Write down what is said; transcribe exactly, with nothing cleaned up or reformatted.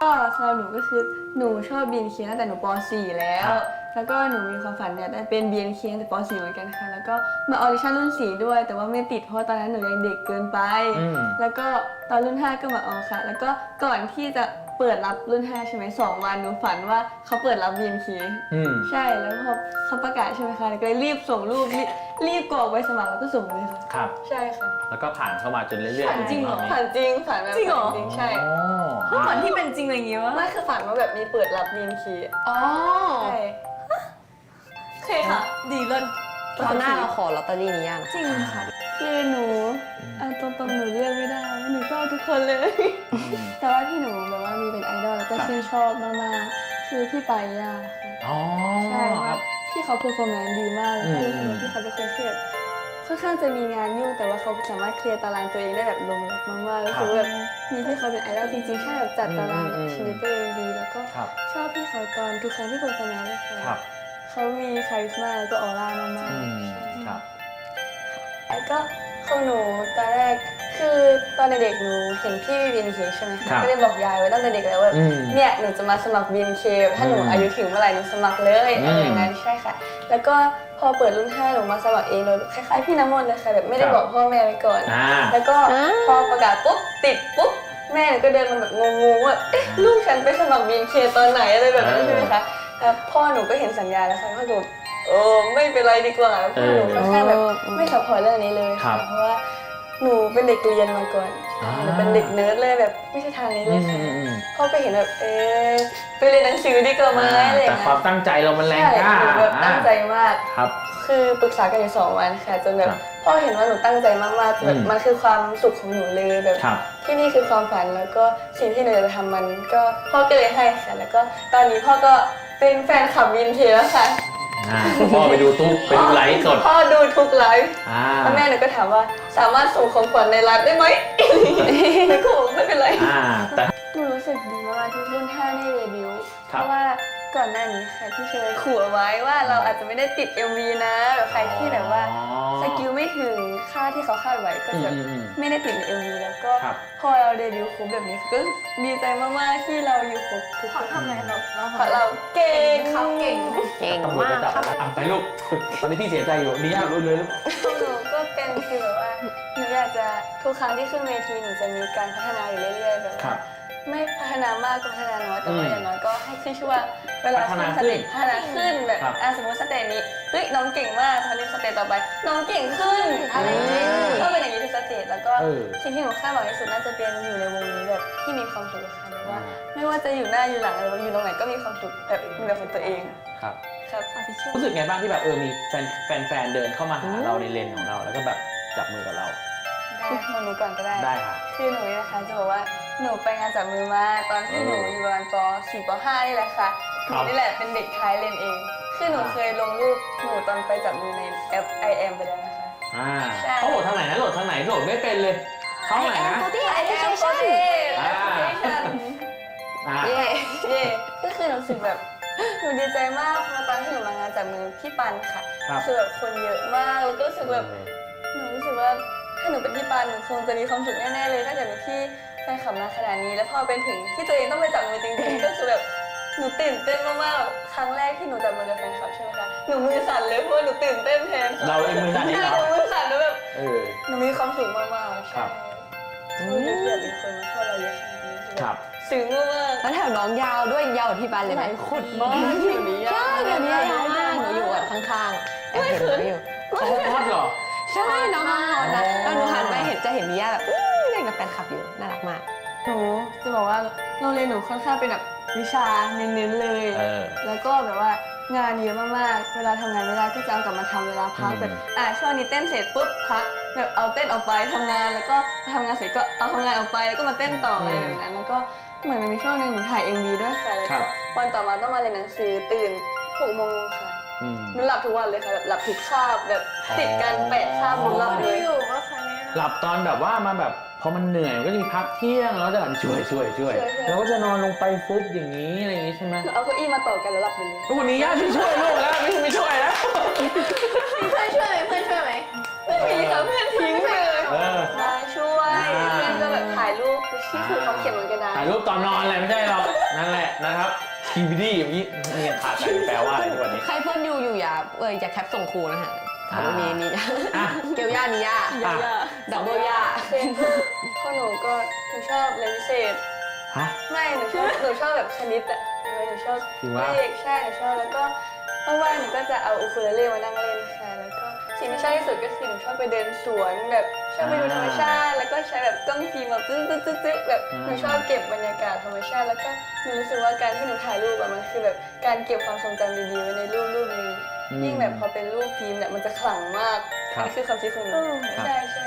สำหรับหนูก็คือหนูชอบ บี เอ็น เค ตั้งแต่หนูป .สี่ แล้ว แล้วก็หนูมีความฝันเนี่ยได้เป็น บี เอ็น เค ตั้งแต่ป .สี่ เหมือนกันค่ะแล้วก็มาออดิชั่นรุ่นสี่ด้วยแต่ว่าไม่ติดเพราะตอนนั้นหนูยังเด็กเกินไปแล้วก็ตอนรุ่นห้าก็มาออค่ะแล้วก็ก่อนที่จะเปิดรับรุ่นห้าใช่ไหมสองวันหนูฝันว่าเขาเปิดรับ บี เอ็น เค ใช่แล้วพอเขาประกาศใช่ไหมคะแล้วก็รีบส่งรูปรีบรีบกรอกใบสมัครแล้วก็ส่งเลยค่ะครับใช่ค่ะแล้วก็ผ่านเข้ามาจนเรื่อยๆฝันจริงเหรอฝันจริงฝันแบบจริงเหรอจริงใช่ฝันที่เป็นจริงอะไรอย่างงี้วะไม่คือฝันว่าแบบมีเปิดรับ บี เอ็น เคอ๋อใช่โอเคค่ะ ดีเลิศตอนหน้าเราขอลอตเตอรี่นี้ยังจริงค่ะคือหนูเอาตรงๆหนูเลือกไม่ได้หนูชอบทุกคนเลย แต่ว่าที่หนูแบบว่ามีเป็นไอดอลแล้วก็ชื่นชอบมากๆคือพี่ปายาค่ะอ๋อใช่คว่ารับพี่เขาเพอร์ฟอร์แมนซ์ดีมากแล้วก็รู้สึกว่าพี่เขาเป็นคนที่แบบค่อนข้างจะมีงานยุ่งแต่ว่าเขาสามารถเคลียร์ตารางตัวเองได้แบบลงล็อกมากๆแล้วคือแบบมีพี่เขาเป็นไอดอลจริงๆใช่แบบจัดตารางชีวิตตัวเองดีแล้วก็ชอบพี่เขาตอนทุกครั้งที่เพอร์ฟอร์แมนซ์เลยค่ะเขามีคาริสมาแล้วก็ออร่ามากๆครับแล้วก็ของหนูตอนแรกคือตอนเด็กๆหนูเห็นพี่ บี เอ็น เค ใช่ไหมคะก็เลยบอกยายไว้ตั้งแต่เด็กแล้วว่าเนี่ยหนูจะมาสมัคร บี เอ็น เค ถ้าหนูอายุถึงเมื่อไหร่หนูสมัครเลยอะไรอย่างนั้นใช่ค่ะแล้วก็พอเปิดรุ่นห้าหนูมาสมัครเองเลยคล้ายๆพี่น้ำมนต์เลยค่ะแบบไม่ได้บอกพ่อแม่ไว้ก่อนแล้วก็พอประกาศปุ๊บติดปุ๊บแม่หนูก็เดินมาแบบงงๆว่าเอ๊ะลูกฉันไปสมัคร บี เอ็น เค ตอนไหนอะไรแบบนั้นใช่ไหมคะแล้วพ่อหนูก็เห็นสัญญาแล้วค่ะพ่อหนูเออไม่เป็นไรดีกว่าพ่อหนูค่อนข้างแบบไม่ซัพพอร์ตเรื่องนี้เลยค่ะเพราะว่าหนูเป็นเด็กเรียนมาก่อนหนูเป็นเด็กเนิร์ดเลยแบบไม่ใช่ทางนี้เลยค่ะพ่อไปเห็นแบบเอ๊ะไปเรียนหนังสือดีกว่าไหมอะไรอย่างแต่เงี้ยความตั้งใจเรามันแรงกล้าหนูแบบตั้งใจมากครับคือปรึกษากันอยู่สองวันค่ะจนแบบพ่อเห็นว่าหนูตั้งใจมากๆแบบมันคือความสุขของหนูเลยแบบที่นี่คือความฝันแล้วก็สิ่งที่หนูจะทำมันก็พ่อก็เลยให้ค่ะแล้วก็ตอนนี้พ่อก็เป็นแฟนคลับ บี เอ็น เค แล้วค่ะพ่อไปดูทุกไปดูไลฟ์สดพ่อดูทุกไลฟ์แล้วแม่หนูก็ถามว่าสามารถส่งของขวัญในไลฟ์ได้ไหมไม่กูไม่เป็นไรแต่หนูรู้สึกดีมากที่รุ่นห้าได้เดบิวต์เพราะว่าก่อนหน้านี้ค่ะที่เชยขู่เอาไว้ว่าเราอาจจะไม่ได้ติด เอ็ม วี นะแบบใครที่แบบว่าสกิลไม่ถึงค่าที่เขาคาดไว้ก็จะไม่ได้ติดใน เอ็ม วี แล้วก็พอเราเดบิวต์ครบแบบนี้ก็ดีใจมากๆที่เราอยู่ครบทุกคนทำไมเราเพราะเราเก่งเขาเก่งเก่งมากครับไปลูกตอนนี้พี่เสียใจอยู่นี่ยากรู้เลยลูกหนูก็เป็นคือแบบว่าหนูอยากจะทุกครั้งที่ขึ้นเวทีหนูจะมีการพัฒนาอยู่เรื่อยๆแบบว่าไม่พัฒนามากก็พัฒนาน้อยแต่ว่าอย่างน้อยก็ให้ขึ้นชื่อว่าเวลาขึ้นสเตจพัฒนาขึ้นแบบอ่ะสมมติสเตจนี้เฮ้ยน้องเก่งมากคราวนี้สเตจต่อไปน้องเก่งขึ้นอะไรอย่างนี้ก็เป็นอย่างนี้ทุกสเตจแล้วก็สิ่งที่หนูคาดหวังที่สุดน่าจะเป็นอยู่ในวงนี้แบบที่มีความสุขค่ะแบบว่าไม่ว่าจะอยู่หน้าอยู่หลังหรือว่าอยู่ตรงไหนก็มีความสุขแบบมีแบบของตัวเองครับครับรู้สึกไงบ้างที่แบบเออมีแฟนแฟนเดินเข้ามาหาเราในเลนของเราแล้วก็แบบจับมือกับเราได้คนนี้ก่อนก็ได้ได้ค่ะคือหนูนะคะจะบอกว่าหนูไปงานจับมือมาตอนที่หนูอยู่ประมาณป สี่ ป ห้า นี่แหละค่ะหนูนี่แหละเป็นเด็กท้ายเลนเองคือหนูเคยลงรูปหนูตอนไปจับมือในแอป ไอ แอม ไปแล้วนะคะอ่าเขาโหลดทางไหนนะโหลดทางไหนโหลดไม่เป็นเลยเข้าไหนนะไอ แอม โปรเทสแอปพลิเคชันเย่เย่ก็คือหนูรู้สึกแบบหนูดีใจมากเพราะตอนที่หนูมางานจับมือพี่ปันค่ะคือแบบคนเยอะมากแล้วก็รู้สึกแบบหนูรู้สึกว่าถ้าหนูเป็นพี่ปานหนูคงจะมีความสุขแน่ๆเลยถ้าเกิดมีพี่แฟนคลับมาขนาดนี้แล้วพอเป็นถึงที่ตัวเองต้องไปจับมือจริงๆก็คือแบบหนูตื่นเต้นมากๆครั้งแรกที่หนูจับมือกับแฟนคลับใช่ไหมคะหนูมือสั่นเลยเพราะหนูตื่นเต้นแทนเราเองมือสั่นนี่เหรอหนูมือสั่นแล้วแบบหนูมีความสุขมากๆใช่โชคดีที่แบบมีคนมาชอบเราเยอะขนาดนี้ครับซึ้งมากแล้วแถวน้องยาวด้วยยาวที่บ้านเลยไหมขุดมากแถวนี้ใช่แถวนี้ยาวมากหนูอยู่แบบข้างๆแอบเห็นหนูอยู่เขาฮอตเหรอใช่น้องฮอตนะแล้วหนูหันไปเห็นจะเห็นมิยาแบบเล่นกับแฟนคลับอยู่น่ารักมากหนูจะบอกว่าโรงเรียนหนูค่อนข้างเป็นแบบวิชาเน้นๆเลยแล้วก็แบบว่างานเยอะมากๆเวลาทำงานไม่ได้ก็จะเอากลับมาทำเวลาพักแบบอ่ะช่วงนี้เต้นเสร็จปุ๊บพักแบบเอาเต้นออกไปทำงานแล้วก็ทำงานเสร็จก็เอาทำงานออกไปแล้วก็มาเต้นต่ออะไรแบบนั้นแล้วก็เหมือนมันมีช่วงนึงหนูถ่าย เอ็ม วี ด้วยค่ะแล้วก็วันต่อมาต้องมาเรียนหนังสือตื่นหกโมงค่ะหนูหลับทุกวันเลยค่ะแบบหลับทุกคาบแบบติดกันแปดคาบหนูหลับเลยอยู่ว่าคะเนี่ยหลับตอนแบบว่ามาแบบพอมันเหนื่อยมันก็จะมีพักเที่ยงแล้วจะแบบช่วยช่วยช่วยแล้วก็จะนอนลงไปฟุบอย่างนี้อะไรอย่างนี้ใช่ไหมเอาเก้าอี้มาต่อกันแล้วหลับไปเลยวันนี้ย่าพี่ช่วยลูกแล้วไม่ไม่ช่วยแล้วมีเพื่อนช่วยไหมเพื่อนช่วยไหมไม่มีค่ะเพื่อนทิ้งเลยมาช่วยเพื่อนก็แบบถ่ายรูปที่คือเขาเขียนบนกระดาษถ่ายรูปตอนนอนอะไรไม่ใช่หรอกนะครับทีวีดีอย่างนี้นี่ยังขาดใจแปลว่าอะไรทุกวันนี้ใครเพื่อนอยู่อยู่อย่าเอออย่าแคปส่งครูนะคะถามว่ามีนี่อ่ะเกลย่านิย่าอ่ะดับเบิลย่าคือของหนูก็หนูชอบเรียนพิเศษฮะไม่หนูชอบหนูชอบแบบคณิตอะเออหนูชอบจริงวะเลขใช่หนูชอบแล้วก็ว่างๆหนูก็จะเอาอูคูเลเล่มานั่งเล่นค่ะแล้วก็สิ่งที่ชอบที่สุดก็คือหนูชอบไปเดินสวนแบบชอบไปดูธรรมชาติ แล้วก็ใช้แบบกล้องฟิล์มแบบตึ๊ดตึ๊ดตึ๊ดตึ๊ดแบบหนูชอบเก็บบรรยากาศธรรมชาติ แล้วก็หนูรู้สึกว่าการที่หนูถ่ายรูปอะมันคือแบบการเก็บความทรงจำดีๆไว้ในรูปรูปหนึงยิ่งแบบพอเป็นรูปฟิล์มเนี่ยมันจะขลังมากครับนี่คือความคิดของหนูใช่ใช่